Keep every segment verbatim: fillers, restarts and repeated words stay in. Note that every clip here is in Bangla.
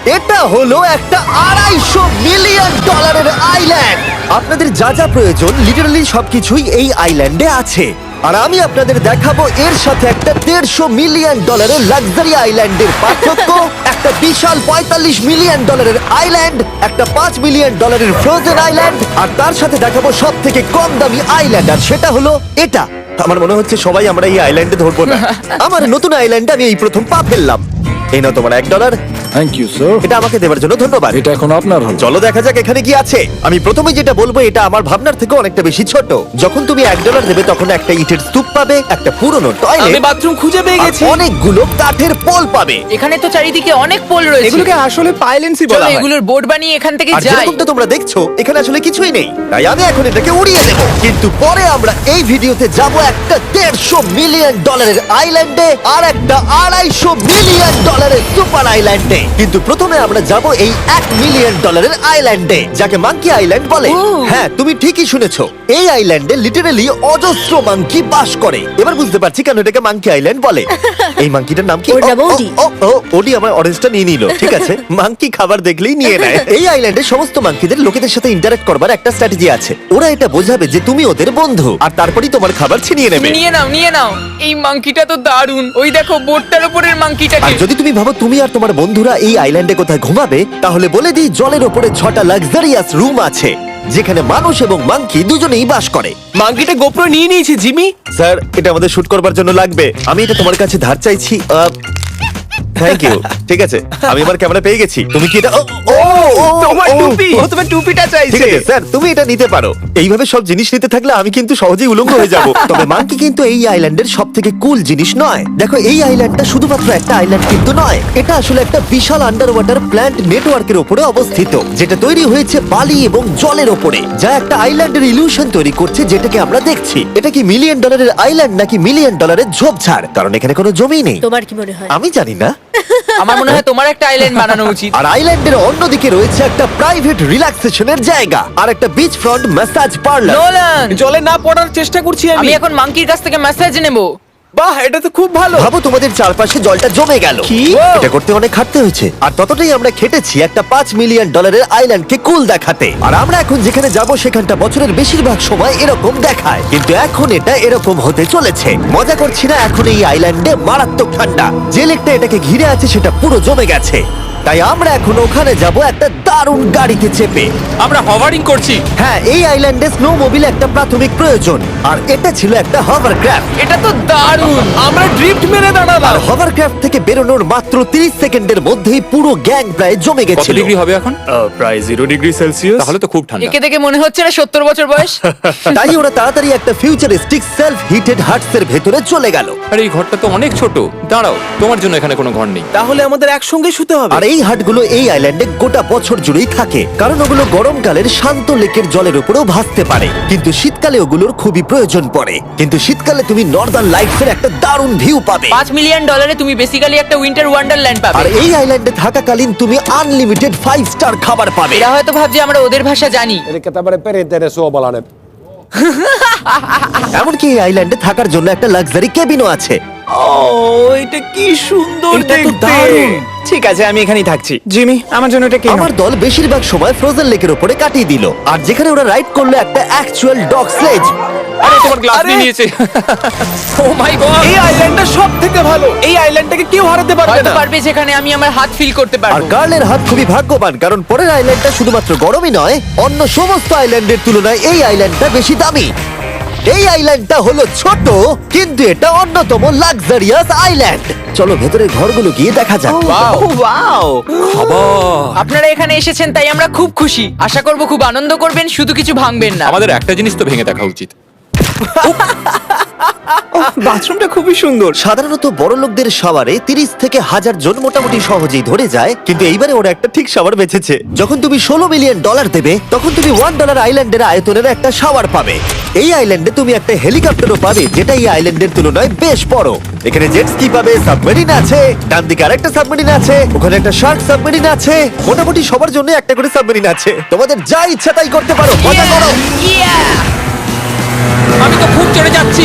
এটা হলো একটা আড়াইশো মিলিয়ন ডলারের আইল্যান্ড। আপনাদের যা যা প্রয়োজন লিটারালি সবকিছুই এই আইল্যান্ডে আছে। আর আমি আপনাদের দেখাবো এর সাথে একটা দেড়শো মিলিয়ন ডলারের লাক্সারি আইল্যান্ডের পার্থক্য, একটা বিশাল পঁয়তাল্লিশ মিলিয়ন ডলারের আইল্যান্ড, একটা পাঁচ মিলিয়ন ডলারের ফ্রোজেন আইল্যান্ড, আর তার সাথে দেখাবো সব থেকে কম দামি আইল্যান্ড, আর সেটা হলো এটা। আমার মনে হচ্ছে সবাই আমরা এই আইল্যান্ডে ধরবো না। আমার নতুন আইল্যান্ডে আমি এই প্রথম পা ফেললাম। এই নাও তোমার এক ডলার। Thank you sir. এটা আমাকে দেওয়ার জন্য ধন্যবাদ। এটা এখন আপনার হল। চলো দেখা যাক এখানে কি আছে। আমি প্রথমে যেটা বলবো এটা আমার ভাবনার থেকে অনেকটা বেশি ছোট। যখন তুমি এক ডলার দেবে তখন একটা ইটের স্তূপ পাবে, একটা পুরনো আমি টয়লেট, বাথরুম খুঁজে পেয়ে গেছি। অনেকগুলো কাঠের পোল পাবে। এখানে তো চারিদিকে অনেক পোল রয়েছে। এগুলোকে আসলে পাইলেন্সি চলো বলা হয়। এগুলোর বোর্ড বানিয়ে এখান থেকে আর যাই। যেরকমটা তোমরা দেখছো এখানে আসলে কিছুই নেই, তাই আমি এখন এটাকে উড়িয়ে দেবো। কিন্তু পরে আমরা এই ভিডিওতে যাব একটা দেড়শো মিলিয়ন ডলারের আইল্যান্ডে আর একটা আড়াইশো মিলিয়ন ডলারের সুপার আইল্যান্ডে। কিন্তু প্রথমে আমরা যাব এই এক মিলিয়ন ডলারের আইল্যান্ডে, যাকে মাঙ্কি আইল্যান্ড বলে। হ্যাঁ, তুমি ঠিকই শুনেছো, এই আইল্যান্ডে লিটারালি অজস্র মাঙ্কি বাস করে। এবার বুঝতে পারছি কেন এটাকে মাঙ্কি আইল্যান্ড বলে। এই মাঙ্কিটার নাম কি? ওর নাম ও, ও, ওডি। ও, ও, ওডি আমার অরেঞ্জটা নিয়ে নিল। ঠিক আছে, মাঙ্কি খাবার দেখলেই নিয়ে নেয়। এই আইল্যান্ডে সমস্ত মাঙ্কিদের লোকেদের সাথে ইন্টারঅ্যাক্ট করবার একটা স্ট্র্যাটেজি আছে। ওরা এটা বোঝাবে যে তুমি ওদের বন্ধু, আর তারপরেই তোমার খাবার ছিনিয়ে নেবে। নিয়ে নাও নিয়ে নাও। এই মাংকিটা তো দারুণ। ওই দেখো বোর্ডটার উপরের আর মাংকিটাকে। যদি তুমি ভাবো তুমি আর তোমার বন্ধুরা এই আইল্যান্ডে কোথায় ঘুমাবে, তাহলে বলে দিই জলের ওপরে ছটা লাক্সারিয়াস রুম আছে যেখানে মানুষ এবং মাঙ্কি দুজনেই বাস করে। মাঙ্কিটা গোপ্রো নিয়ে নিয়েছে জিমি। স্যার, এটা আমাদের শুট করবার জন্য লাগবে। আমি এটা তোমার কাছে ধার চাইছি। Thank you. ঠিক আছে, আমি আমার ক্যামেরা পেয়ে গেছি। তুমি কি এটা? ও, ও, ও, তোমার ও, টুপি। ও, ও তোমার টুপিটা ঠিক চাইছে। আছে স্যার, তুমি এটা নিতে পারো। এইভাবে সব জিনিস নিতে থাকলে আমি কিন্তু সহজেই উলঙ্গ হয়ে যাব। তবে মাঙ্কি কিন্তু এই আইল্যান্ডের সব থেকে কুল জিনিস নয়। দেখো, এই আইল্যান্ডটা শুধুমাত্র একটা আইল্যান্ড কিন্তু নয়, এটা আসলে একটা বিশাল আন্ডার ওয়াটার প্ল্যান্ট নেটওয়ার্কের উপরে অবস্থিত, যেটা তৈরি হয়েছে বালি এবং জলের ওপরে, যা একটা আইল্যান্ডের ইলিউশন তৈরি করছে যেটাকে আমরা দেখছি। এটা কি মিলিয়ন ডলারের আইল্যান্ড নাকি মিলিয়ন ডলারের ঝোপঝাড়? কারণ এখানে কোনো জমি নেই। তোমার কি মনে হয়? আমি জানি না। আমার মনে হয় তোমার একটা আইল্যান্ড বানানো উচিত। আর আইল্যান্ডের অন্যদিকে রয়েছে একটা প্রাইভেট রিল্যাক্সেশনের জায়গা আর একটা beach front massage parlour. Nolan, জলে না পড়ার চেষ্টা করছি আমি আমি। এখন মাংকির কাছ থেকে মেসেজ নেব। বাহ, এটা তো খুব ভালো। ভাবো তোমাদের চারপাশে জলটা জমে গেল। কি? এটা করতে অনেক খাটতে হয়েছে, আর ততটাই আমরা খেটেছি একটা পাঁচ মিলিয়ন ডলারের আইল্যান্ডকে কুল দেখাতে। আর আমরা এখন যেখানে যাব সেখানটা বছরের বেশিরভাগ সময় এরকম দেখায়, কিন্তু এখন এটা এরকম হতে চলেছে। মজা করছি না, এখন এই আইল্যান্ডে মারাত্মক ঠান্ডা। যে লেকটা এটাকে ঘিরে আছে সেটা পুরো জমে গেছে, তাই আমরা এখন ওখানে যাব একটা দারুণ গাড়িতে চেপে। আমরা হভারিং করছি। হ্যাঁ, এই আইল্যান্ডে স্নো মোবিল একটা প্রাথমিক প্রয়োজন, আর এটা ছিল একটা হভারক্রাফট। এটা তো দারুণ। আমরা ড্রিফট মেরে দাঁড়ালাম। আর হভারক্রাফট থেকে বেরোনোর মাত্র তিরিশ সেকেন্ডের মধ্যেই পুরো গ্যাং প্রায় জমে কত গেছিল। ডিগ্রি হবে এখন? প্রায় জিরো ডিগ্রি সেলসিয়াস। তাহলে তো খুব ঠান্ডা। একে দেখে মনে হচ্ছে না সত্তর বছর বয়স। তাই ওরা তাড়াতাড়ি একটা ফিউচারিস্টিক সেলফ হিটেড হাটস এর ভেতরে চলে গেল। আর এই ঘরটা তো অনেক ছোট। দাঁড়াও, তোমার জন্য এখানে কোনো ঘর নেই। তাহলে আমাদের একসঙ্গে শুতে হবে। আর এই হাটগুলো এই আইল্যান্ডে গোটা বছর জুড়েই থাকে, কারণ ওগুলো গরমকালের শান্ত লেকের জলের উপরেও ভাসতে পারে, কিন্তু শীতকালে ওগুলোর খুবই প্রয়োজন পড়ে। কিন্তু শীতকালে তুমি নর্দার্ন লাইটস এর একটা দারুণ ভিউ পাবে। পাঁচ মিলিয়ন ডলারে তুমি বেসিক্যালি একটা উইন্টার ওয়ান্ডারল্যান্ড আর পাবে। এই আইল্যান্ডে থাকাকালীন তুমি আনলিমিটেড ফাইভ স্টার খাবার পাবে। এরা হয়তো ভাবছে আমরা ওদের ভাষা জানি। Elikkä tämmöinen perinteinen suomalainen. এমনকি এই আইল্যান্ডে থাকার জন্য একটা লাক্সারি কেবিনও আছে। ও, এটা কি সুন্দর এটা তো দেখতে। দারুণ। ঠিক আছে, আমি এখানেই থাকছি। জিমি, আমার জন্য এটা কি? আমার দল বেশিরভাগ সময় ফ্রোজেন লেকের উপরে কাটিয়ে দিল, আর যেখানে ওরা রাইড করলো একটা অ্যাকচুয়াল ডগ স্লেজ। আরে তোমার গ্লাস আরে! নিয়ে নিয়েছে। Oh my god. এই আইল্যান্ডটা সব থেকে ভালো। এই আইল্যান্ডটাকে কেউ হারাতে পারবে হয়তো না। পারবে যেখানে আমি আমার হাত ফিল করতে আর পারবো। কার্লের হাত খুবই ভাগ্যবান, কারণ পরের আইল্যান্ডটা শুধুমাত্র গরমই নয়, অন্য সমস্ত আইল্যান্ডের তুলনায় এই আইল্যান্ডটা বেশি দামি। এই আইল্যান্ডটা হলো ছোট, কিন্তু এটা অন্যতম লাক্সারিয়াস আইল্যান্ড। চলো ভেতরের ঘরগুলো গিয়ে দেখা যাক। ওয়াও। আপনারা এখানে এসেছেন তাই আমরা খুব খুশি। আশা করব খুব আনন্দ করবেন, শুধু কিছু ভাঙবেন না। আমাদের একটা জিনিস তো ভেঙে দেখা উচিত। বাথরুমটা খুবই সুন্দর। সাধারণত বড় লোকদের শাওয়ারে তিরিশ থেকে হাজার জন মোটামুটি সহজেই ধরে যায়, কিন্তু এইবারে ওরা একটা ঠিক শাওয়ার বেঁচেছে। যখন তুমি ষোলো মিলিয়ন ডলার দেবে তখন তুমি ওয়ান ডলার আইল্যান্ডের আয়তনের একটা শাওয়ার পাবে। এই আইল্যান্ডে তুমি একটা হেলিকপ্টারও পাবে, যেটা এই আইল্যান্ডের তুলনায় বেশ বড়। এখানে জেট স্কি পাবে, সাবমেরিন আছে, ডান দিকে আরেকটা সাবমেরিন আছে, ওখানে একটা শার্ক সাবমেরিন আছে। মোটামুটি সবার জন্য একটা করে সাবমেরিন আছে। তোমাদের যা ইচ্ছা তাই করতে পারো, মজা করো। আমি তো খুব চড়ে যাচ্ছি।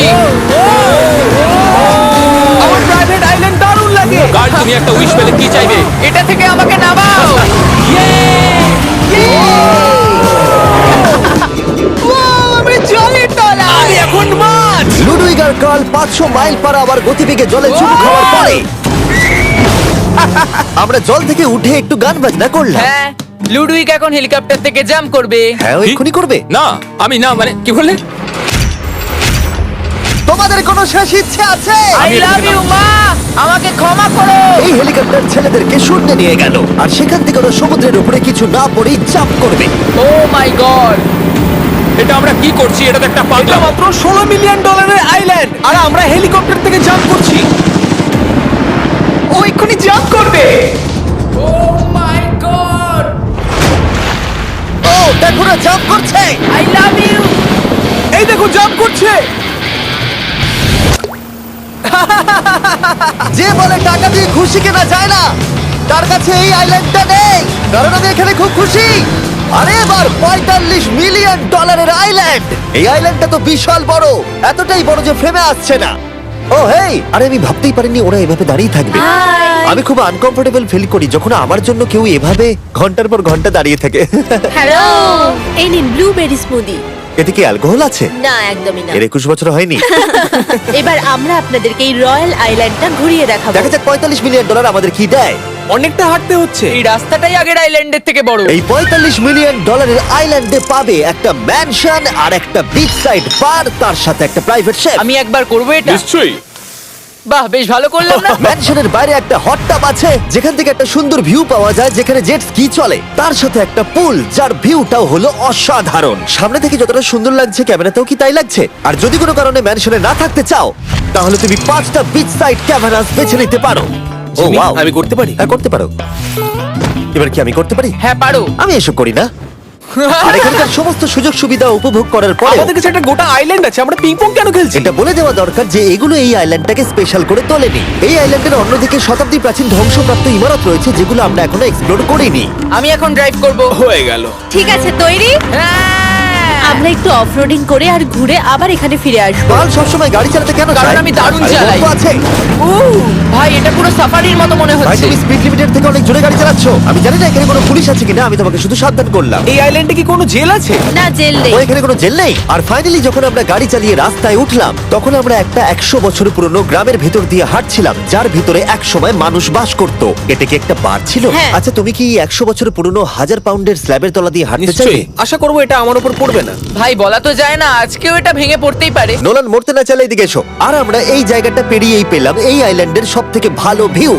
আমার প্রাইভেট আইল্যান্ড দারুণ লাগে। কাল তুমি একটা উইশ পেলে কি চাইবে? এটা থেকে আমাকে নামাও। পাঁচশো মাইল পার আওয়ার গতিবেগে জলে চুমু খাওয়ার পরে আমরা জল থেকে উঠে একটু গান বাজনা করলাম। হ্যাঁ লুডুইক এখন হেলিকপ্টার থেকে জাম্প করবে। হ্যাঁ ও কি? এক্ষুনি করবে। না আমি না মানে কি বললে? তোমাদের কোনো শেষ ইচ্ছে আছে? আই লাভ ইউ মা, আমাকে ক্ষমা করো। এই হেলিকপ্টার ছেলেদেরকে শূন্যে নিয়ে গেল আর সেখান থেকে ওরা সমুদ্রের উপরে কিছু না পড়েই জাম্প করবে। ও মাই গড, এটা আমরা কি করছি? এটা তো একটা এটা পাগলা। মাত্র ষোলো মিলিয়ন ডলারের আইল্যান্ড আর আমরা হেলিকপ্টার থেকে জাম্প করছি। ও এক্ষুনি জাম্প করবে। ও মাই গড, ও দেখো না জাম্প করছে। I love you. এই দেখো জাম্প করছে। যে বলে টাকা দিয়ে খুশি কেনা যায় না, তার কাছে এই আইল্যান্ডটা নেই। কারণ আমি এখানে খুব খুশি। আরে এবার পঁয়তাল্লিশ মিলিয়ন ডলারের আইল্যান্ড। এই আইল্যান্ডটা তো বিশাল বড়, এতটাই বড় যে ফ্রেমে আসছে না। ও হেই, আরে আমি ভাবতেই পারিনি ওরা এভাবে দাঁড়িয়ে থাকবে। আমি খুব আনকমফোর্টেবল ফিল করি যখন আমার জন্য কেউ এভাবে ঘন্টার পর ঘন্টা দাঁড়িয়ে থাকে। হ্যালো, এই নিন ব্লুবেরি স্মুদি। এতে কি অ্যালকোহল আছে? না, একদমই না। এর একুশ বছর হয়নি। এবার আমরা আপনাদেরকে এই রয়্যাল আইল্যান্ডটা ঘুরিয়ে দেখাবো। দেখা যাক পঁয়তাল্লিশ মিলিয়ন ডলার আমাদের কি দেয়। অনেকটা হাঁটতে হচ্ছে। এই রাস্তাটাই আগের আইল্যান্ডের থেকে বড়। এই পঁয়তাল্লিশ মিলিয়ন ডলারের আইল্যান্ডে পাবে একটা ম্যানশন আর একটা বিচ সাইড বার, তার সাথে একটা প্রাইভেট শেফ। আমি একবার করবো এটা। নিশ্চয়ই। বাহ, বেশ ভালো করলাম না? ম্যানশনের বাইরে একটা হট টাব আছে যেখান থেকে একটা সুন্দর ভিউ পাওয়া যায়, যেখানে জেট স্কি চলে। তার সাথে একটা পুল যার ভিউটাও হলো অসাধারণ। সামনে থেকে যতটা সুন্দর লাগছে ক্যামেরাতেও কি তাই লাগছে। আর যদি কোনো কারণে ম্যানশনে না থাকতে চাও তাহলে তুমি পাঁচটা বিচ সাইড ক্যামেরাস বেছে নিতে পারো। ও জিমি, ওয়াও, আমি করতে পারি? হ্যাঁ করতে পারো। এবার কি আমি করতে পারি? হ্যাঁ পারো। আমি এসব করি না। আর এখানকার সমস্ত সুযোগ সুবিধা উপভোগ করার পরে আমাদের কাছে একটা গোটা আইল্যান্ড আছে, আমরা পিং পং কেন খেলছি? এটা বলে দেওয়া দরকার যে এগুলো এই আইল্যান্ডটাকে স্পেশাল করে তোলেনি। এই আইল্যান্ডের অন্যদিকে শতাব্দী প্রাচীন ধ্বংসপ্রাপ্ত ইমারত রয়েছে যেগুলো আমরা এখনো এক্সপ্লোর করিনি। আমি এখন ড্রাইভ করব। হয়ে গেল। ঠিক আছে, তৈরি? হ্যাঁ। আমরা একটু অফরোডিং করে আর ঘুরে আবার এখানে ফিরে আসবো। কাল সবসময় গাড়ি চালাতে কেন কারণ চায়? আমি দারুণ আরে চালাই। গল্প আছে। উ, ভাই এটা পুরো সাফারির মতো মনে ভাই হচ্ছে। তুমি স্পিড লিমিটের থেকে অনেক জোরে গাড়ি চালাচ্ছ। আমি জানি না এখানে কোনো পুলিশ আছে কিনা, আমি তোমাকে শুধু সাবধান করলাম। এই আইল্যান্ডে কি কোনো জেল আছে? না, জেল নেই। ও এখানে কোনো জেল নেই। আর ফাইনালি যখন আমরা গাড়ি চালিয়ে রাস্তায় উঠলাম তখন আমরা একটা একশো বছর পুরনো গ্রামের ভেতর দিয়ে হাঁটছিলাম, যার ভিতরে এক সময় মানুষ বাস করত। এটা কি একটা বার ছিল? হ্যাঁ। আচ্ছা তুমি কি একশো বছর পুরনো হাজার পাউন্ডের স্ল্যাবের তলা দিয়ে হাঁটতে চাইবে? নিশ্চয়ই। আশা করবো এটা আমার উপর পড়বে না। ভাই বলা তো যায় না, আজকেও এটা ভেঙে পড়তেই পারে। নোলান মরতে না চাইলে এদিকে এসো। আর আমরা এই জায়গাটা পেরিয়েই পেলাম এই আইল্যান্ডের সব থেকে ভালো ভিউ।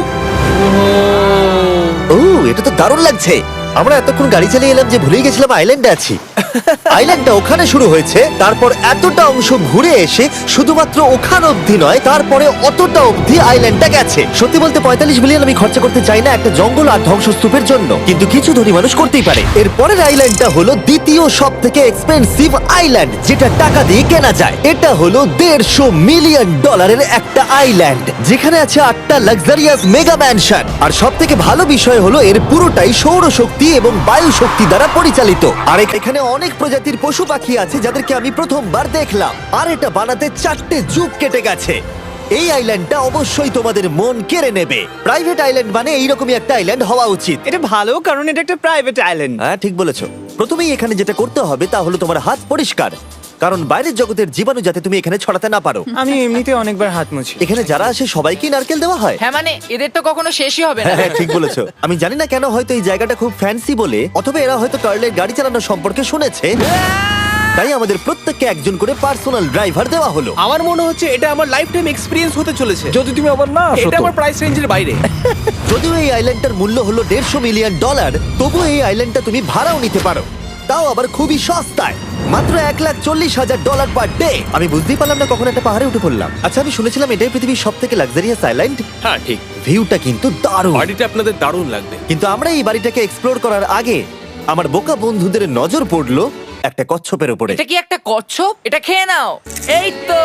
ও এটা তো দারুণ লাগছে। আমরা এতক্ষণ গাড়ি চালিয়ে এলাম যে ভুলেই গেছিলাম আইল্যান্ডে আছি। আইল্যান্ডটা ওখানে শুরু হয়েছে, তারপর এতটা অংশ ঘুরে এসে শুধুমাত্র ওখান অবধি নয়, তারপরে অতটা অবধি আইল্যান্ডটা গেছে। সত্যি বলতে পঁয়তাল্লিশ মিলিয়ন আমি খরচা করতে চাই না একটা জঙ্গল আর ধ্বংসস্তূপের জন্য, কিন্তু কিছু ধনী মানুষ করতেই পারে। এর পরের আইল্যান্ডটা হলো দ্বিতীয় সব থেকে এক্সপেন্সিভ আইল্যান্ড, যেটা টাকা দিয়ে কেনা যায়। এটা হলো দেড়শো মিলিয়ন ডলারের একটা আইল্যান্ড যেখানে আছে আটটা লাক্সারিয়াস মেগা ম্যানশন। আর সব থেকে ভালো বিষয় হলো এর পুরোটাই সৌরশক্তি এবং বায়ু শক্তি দ্বারা পরিচালিত। আর এখানে অনেক প্রজাতির পশু পাখি আছে যাদেরকে আমি প্রথমবার দেখলাম। আর এটা বানাতে চারটে যুগ কেটে গেছে। এই আইল্যান্ডটা অবশ্যই তোমাদের মন কেড়ে নেবে। প্রাইভেট আইল্যান্ড মানে এইরকমই একটা আইল্যান্ড হওয়া উচিত। এটা ভালো, কারণ এটা একটা প্রাইভেট আইল্যান্ড। হ্যাঁ ঠিক বলেছো। প্রথমেই এখানে যেটা করতে হবে তা হলো তোমার হাত পরিষ্কার, কারণ বাইরের জগতের জীবাণু যাতে তুমি এখানে ছড়াতে না পারো। আমি এমনিতে অনেকবার হাত মুছি। এখানে যারা আসে সবাইকেই নারকেল দেওয়া হয়। হ্যাঁ মানে এদের তো কখনো শেষই হবে না। হ্যাঁ ঠিক বলেছো। আমি জানি না কেন, হয়তো এই জায়গাটা খুব ফ্যান্সি বলে, অথবা এরা হয়তো কার্লের গাড়ি চালানো সম্পর্কে শুনেছে, তাই আমাদের প্রত্যেককে একজন করে পার্সোনাল ড্রাইভার দেওয়া হলো। আমার মনে হচ্ছে এটা আমার লাইফ টাইম এক্সপিরিয়েন্স হতে চলেছে। যদি তুমি আবার না আসো এটা তো। আমার প্রাইস রেঞ্জের বাইরে। যদিও এই আইল্যান্ডটার মূল্য হলো দেড়শো মিলিয়ন ডলার, তবুও এই আইল্যান্ডটা তুমি ভাড়াও নিতে পারো, তাও আবার খুবই সস্তায়, মাত্র এক লাখ চল্লিশ হাজার ডলার পার ডে। আমি বুঝতেই পারলাম না কখন একটা পাহাড়ে উঠে পড়লাম। আচ্ছা আমি শুনেছিলাম এটাই পৃথিবীর সব থেকে লাক্সারিয়াস আইল্যান্ড। হ্যাঁ ঠিক। ভিউটা কিন্তু দারুণ। বাড়িটা আপনাদের দারুণ লাগবে। কিন্তু আমরা এই বাড়িটাকে এক্সপ্লোর করার আগে আমার বোকা বন্ধুদের নজর পড়লো একটা কচ্ছপের উপরে। এটা কি একটা কচ্ছপ? এটা খেয়ে নাও। এই তো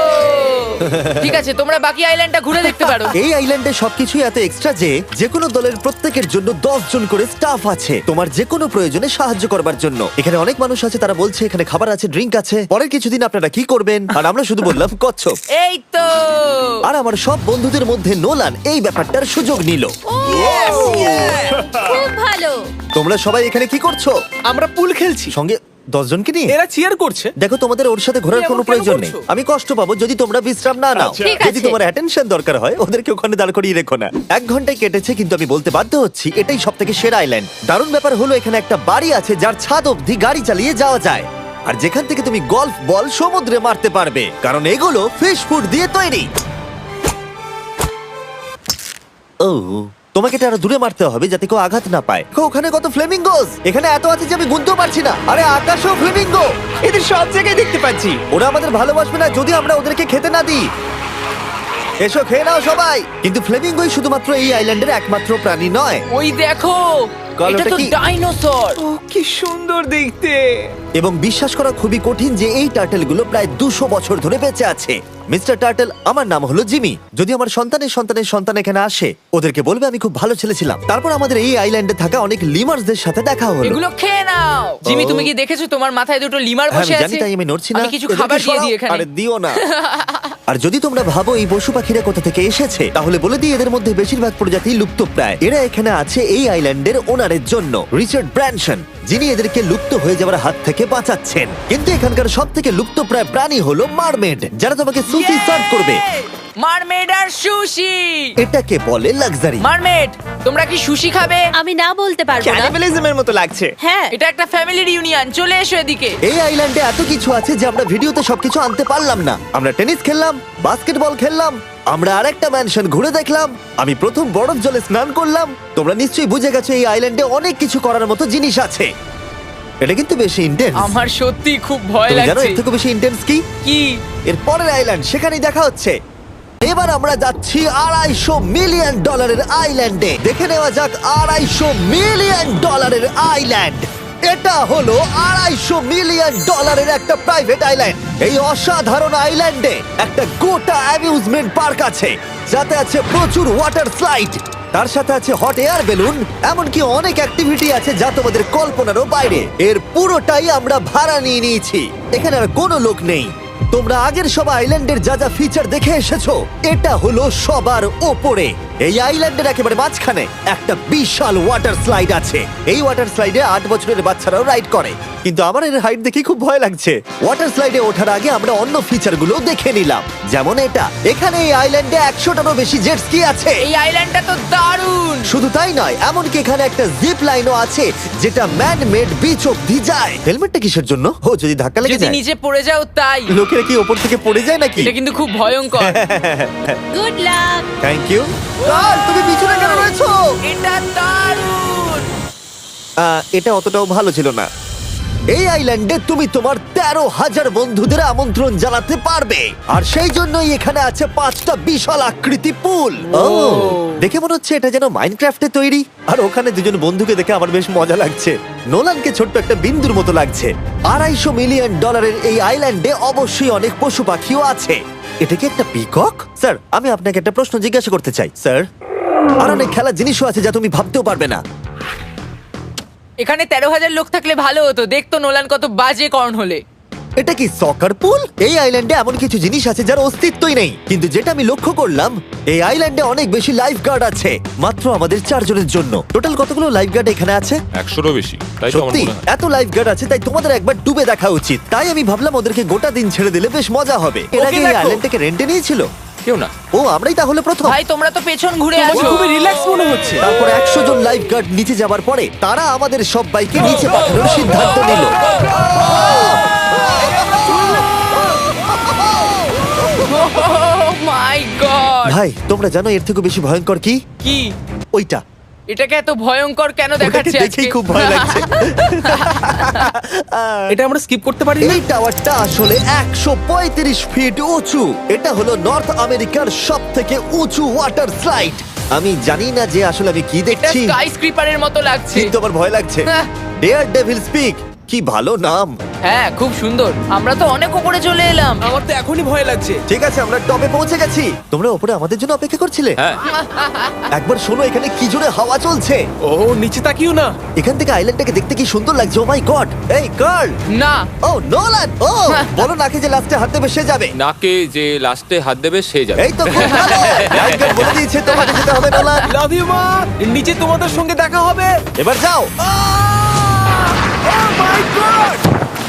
ঠিক আছে, তোমরা বাকি আইল্যান্ডটা ঘুরে দেখতে পারো। এই আইল্যান্ডে সবকিছুই এত এক্সট্রা যে যে কোনো দলের প্রত্যেকের জন্য দশ জন করে স্টাফ আছে তোমার যে কোনো প্রয়োজনে সাহায্য করবার জন্য। এখানে অনেক মানুষ আছে, তারা বলছে এখানে খাবার আছে, ড্রিঙ্ক আছে, পরের কিছুদিন আপনারা কি করবেন, আর আমরা শুধু বললাম কচ্ছপ। এই তো আর আমার সব বন্ধুদের মধ্যে নোলান এই ব্যাপারটার সুযোগ নিল। খুব ভালো। তোমরা সবাই এখানে কি করছো? আমরা পুল খেলছি। সঙ্গে দশ জনকে নিয়ে এরা চিয়ার করছে। দেখো, তোমাদের ওর সাথে ঘোরার তুমি এমন কোনো কেন প্রয়োজন নেই। করছো? আমি কষ্ট পাবো যদি তোমরা বিশ্রাম না নাও। ঠিক যদি আছে। তোমার অ্যাটেনশন দরকার হয়, ওদেরকে ওখানে দাঁড় করিয়ে রেখো না। এক ঘন্টায় কেটেছে, কিন্তু আমি বলতে বাধ্য হচ্ছি এটাই সব থেকে সেরা আইল্যান্ড। দারুণ ব্যাপার হলো এখানে একটা বাড়ি আছে যার ছাদ অবধি গাড়ি চালিয়ে যাওয়া যায়, আর যেখান থেকে তুমি গলফ বল সমুদ্রে মারতে পারবে, কারণ এগুলো ফিশ ফুড দিয়ে তৈরি। ও, তোমাকে এটা আরো দূরে মারতে হবে যাতে কেউ আঘাত না পায়। দেখো, ওখানে কত ফ্লেমিঙ্গোস! এখানে এত আছে যে আমি গুনতেও পারছি না। আরে আকাশও ফ্লেমিঙ্গো! এদের সব জায়গায় দেখতে পাচ্ছি। ওরা আমাদের ভালোবাসবে না যদি আমরা ওদেরকে খেতে না দিই। এসো, খেয়ে নাও সবাই। কিন্তু ফ্লেমিঙ্গোই শুধুমাত্র এই আইল্যান্ডের একমাত্র প্রাণী নয়। ওই দেখো, গল্পটা এটা তো কি? ডাইনোসর। ও কি সুন্দর দেখতে। এবং বিশ্বাস করা খুবই কঠিন যে এই টার্টেলগুলো প্রায় দুশো বছর ধরে বেঁচে আছে। মিস্টার টার্টেল, আমার নাম হলো জিমি। যদি আমার সন্তানের সন্তানের সন্তান এখানে আসে, ওদেরকে বলবে আমি খুব ভালো ছেলে ছিলাম। তারপর আমাদের এই আইল্যান্ডে থাকা অনেক লিমার্সদের সাথে দেখা হলো। এগুলো খেয়ে নাও। জিমি, তুমি কি দেখেছো তোমার মাথায় দুটো লিমার হ্যাঁ, বসে আমি আছে? জানি, তাই আমি নড়ছি না। আমি কিছু এদেরকে খাবার দিয়ে সরাও। দিই এখানে। আরে দিও না। আর যদি তোমরা ভাবো এই পশু পাখিরা কোথা থেকে এসেছে, তাহলে বলে দিই এদের মধ্যে বেশিরভাগ প্রজাতি লুপ্তপ্রায়। এরা এখানে আছে এই আইল্যান্ডের ওনারের জন্য, রিচার্ড ব্র্যানসন, যিনি এদেরকে লুপ্ত হয়ে যাওয়ার হাত থেকে বাঁচাচ্ছেন। কিন্তু এখানকার সব থেকে লুপ্তপ্রায় প্রাণী হলো মারমেড, যারা তোমাকে সুশি সার্ভ করবে। মারমেড আর সুশি। এটাকে বলে লাক্সারি। মারমেড, তোমরা কি সুশি খাবে? আমি না বলতে পারবো না। ক্যানিবালিজমের মতো লাগছে। হ্যাঁ, এটা একটা ফ্যামিলি রিউনিয়ন, চলে এসো এদিকে। এই আইল্যান্ডে এত কিছু আছে যে আমরা ভিডিওতে সবকিছু আনতে পারলাম না। আমরা টেনিস খেললাম, বাস্কেটবল খেললাম, আমরা আরেকটা ম্যানশন ঘুরে দেখলাম, আমি প্রথম বরফ জলে স্নান করলাম। তোমরা নিশ্চয়ই বুঝে গেছো এই আইল্যান্ডে অনেক কিছু করার মতো জিনিস আছে। এটা কিন্তু বেশি ইন্টেন্স। আমার সত্যি খুব ভয় তুমি জানো লাগছে। এর থেকে বেশি ইন্টেন্স কি? কি? এর পরের আইল্যান্ড, সেখানেই দেখা হচ্ছে। এবার আমরা যাচ্ছি আড়াইশো মিলিয়ন ডলারের আইল্যান্ডে। দেখে নেওয়া যাক আড়াইশো মিলিয়ন ডলারের আইল্যান্ড। এটা হলো আড়াইশো মিলিয়ন ডলারের একটা প্রাইভেট আইল্যান্ড। এই অসাধারণ আইল্যান্ডে একটা গোটা অ্যামিউজমেন্ট পার্ক আছে, যাতে আছে প্রচুর ওয়াটার স্লাইড, তার সাথে আছে হট এয়ার বেলুন, এমনকি অনেক অ্যাক্টিভিটি আছে যা তোমাদের কল্পনারও বাইরে। এর পুরোটাই আমরা ভাড়া নিয়ে নিয়েছি। এখানে আর কোনো লোক নেই। তোমরা আগের সব আইল্যান্ডের যা যা ফিচার দেখে এসেছো, এটা হলো সবার ওপরে। এই আইল্যান্ডের একেবারে মাঝখানে একটা বিশাল ওয়াটার স্লাইড আছে। এই ওয়াটার স্লাইডে আট বছরের বাচ্চারাও রাইড করে, কিন্তু আমার এর হাইট দেখে খুব ভয় লাগছে। ওয়াটার স্লাইডে ওঠার আগে আমরা অন্য ফিচারগুলো দেখে নিলাম, যেমন এটা। এখানে এই আইল্যান্ডে একশোটারও বেশি জেট স্কি আছে। এই আইল্যান্ডটা তো দারুণ। শুধু তাই নয়, এমনকি এখানে একটা জিপ লাইনও আছে যেটা ম্যান মেড বিচ অব্দি যায়। হেলমেটটা কিসের জন্য? ও, যদি ধাক্কা লেগে যদি যায়। নিচে পড়ে যাও তাই। লোকেরা কি ওপর থেকে পড়ে যায় নাকি? এটা কিন্তু খুব ভয়ঙ্কর। Good luck. Thank you. তুমি পিছনে কেন রয়েছো? এটা দারুণ। আহ, এটা অতটাও ভালো ছিল না। এই আইল্যান্ডে তুমি তোমার তেরো হাজার বন্ধুদের আমন্ত্রণ জানাতে পারবে, আর সেই জন্যই এখানে আছে পাঁচটা বিশাল আকৃতি পুল। ও, দেখে মনে হচ্ছে এটা যেন মাইনক্রাফটে তৈরি। আর ওখানে দুজন বন্ধুকে দেখে আমার বেশ মজা লাগছে। নোলানকে ছোট্ট একটা বিন্দুর মতো লাগছে। আড়াইশো মিলিয়ন ডলারের এই আইল্যান্ডে অবশ্যই অনেক পশু পাখিও আছে। এটা কি একটা পিকক? স্যার, আমি আপনাকে একটা প্রশ্ন জিজ্ঞাসা করতে চাই স্যার। আর অনেক খেলার জিনিসও আছে যা তুমি ভাবতেও পারবে না। এখানে তেরো হাজার লোক থাকলে ভালো হতো, দেখতো নোলান কত বাজে কর্ন হলে। এটা কি সকার পুল? এই আইল্যান্ডে এমন কিছু জিনিস আছে যার অস্তিত্বই নেই, কিন্তু যেটা আমি লক্ষ্য করলাম, এই আইল্যান্ডে অনেক বেশি লাইফ গার্ড আছে, মাত্র আমাদের চারজনের জন্য। টোটাল কতগুলো লাইফ গার্ড এখানে আছে? একশোরও বেশি, তাই তো আমার সত্যি মনে হয়। এত লাইফ গার্ড আছে, তাই তোমাদের একবার ডুবে দেখা উচিত। তাই আমি ভাবলাম ওদেরকে গোটা দিন ছেড়ে দিলে বেশ মজা হবে। এর আগে এই দেখো। আইল্যান্ডটাকে রেন্টে নিয়েছিল। কেউ না। ও, আমরাই তাহলে প্রথম। ভাই তোমরা তো পেছন ঘুরে তোমাকে আছো। খুবই রিল্যাক্স মনে হচ্ছে। তারপর একশো জন লাইফ গার্ড নিচে যাবার পরে তারা আমাদের সবাইকে নিচে পাঠানোর সিদ্ধান্ত নিল। My god. ভাই, তোমরা জানো এর থেকে বেশি ভয়ঙ্কর কি? কি? ওইটা। এটাকে এত ভয়ঙ্কর কেন ওটাকে দেখাচ্ছে আজকে? দেখেই খুব ভয় লাগছে। এটা আমরা স্কিপ করতে পারি না। এই টাওয়ারটা আসলে একশো পঁয়ত্রিশ ফিট উঁচু। এটা হলো নর্থ আমেরিকার সব থেকে উঁচু ওয়াটার স্লাইড। আমি জানি না যে আসলে আমি কি এটা দেখছি, স্কাই স্ক্রিপারের মতো লাগছে। কিন্তু আমার ভয় লাগছে। হ্যাঁ। ডেয়ার ডেভিল স্পিক, কি ভালো নাম। হ্যাঁ, খুব সুন্দর। আমরা তো অনেক উপরে চলে এলাম। আমার তো এখনই ভয় লাগছে। ঠিক আছে, আমরা টপে পৌঁছে গেছি। তোমরা উপরে আমাদের জন্য অপেক্ষা করছিলে? হ্যাঁ, একবার শোনো, এখানে কি জোরে হাওয়া চলছে। ও, নিচে তাকিও না। এখান থেকে আইল্যান্ডটাকে দেখতে কি সুন্দর লাগছে। Oh my god. এই গার্ল। না, ও নোলান। ও, বলো নাকি যে লাস্টে হাত দেবে সে যাবে। নাকে যে লাস্টে হাত দেবে সে যাবে। এই তো খুব ভালো। লাইফগার্ড বলে দিয়েছে তোমাকে যেতে হবে নোলান। লাভ ইউ মা। নিচে তোমাদের সঙ্গে দেখা হবে। এবার যাও। Oh my god!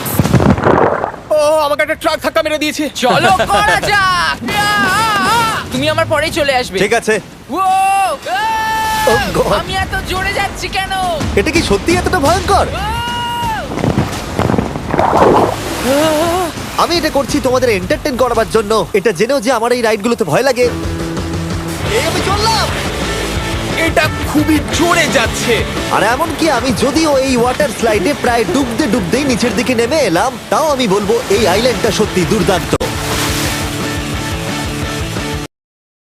আমাকে একটা ট্রাক ধাক্কা মেরে দিয়েছে। চলো করা যাক। তুমি আমার পরেই চলে আসবে। ঠিক আছে। ও Oh God! আমি এত জোরে যাচ্ছি কেন? এটা কি সত্যি এতটা ভয়ঙ্কর? আমি এটা করছি তোমাদের এন্টারটেইন করার জন্য, এটা জেনেও যে আমার এই রাইডগুলোতে ভয় লাগে। এই আমি চললাম। এটা খুবই জোরে যাচ্ছে। আর এমনকি আমি যদিও এই ওয়াটার স্লাইডে প্রায় ডুবতে ডুবতেই নিচের দিকে নেমে এলাম, তাও আমি বলবো এই আইল্যান্ডটা সত্যি দুর্দান্ত।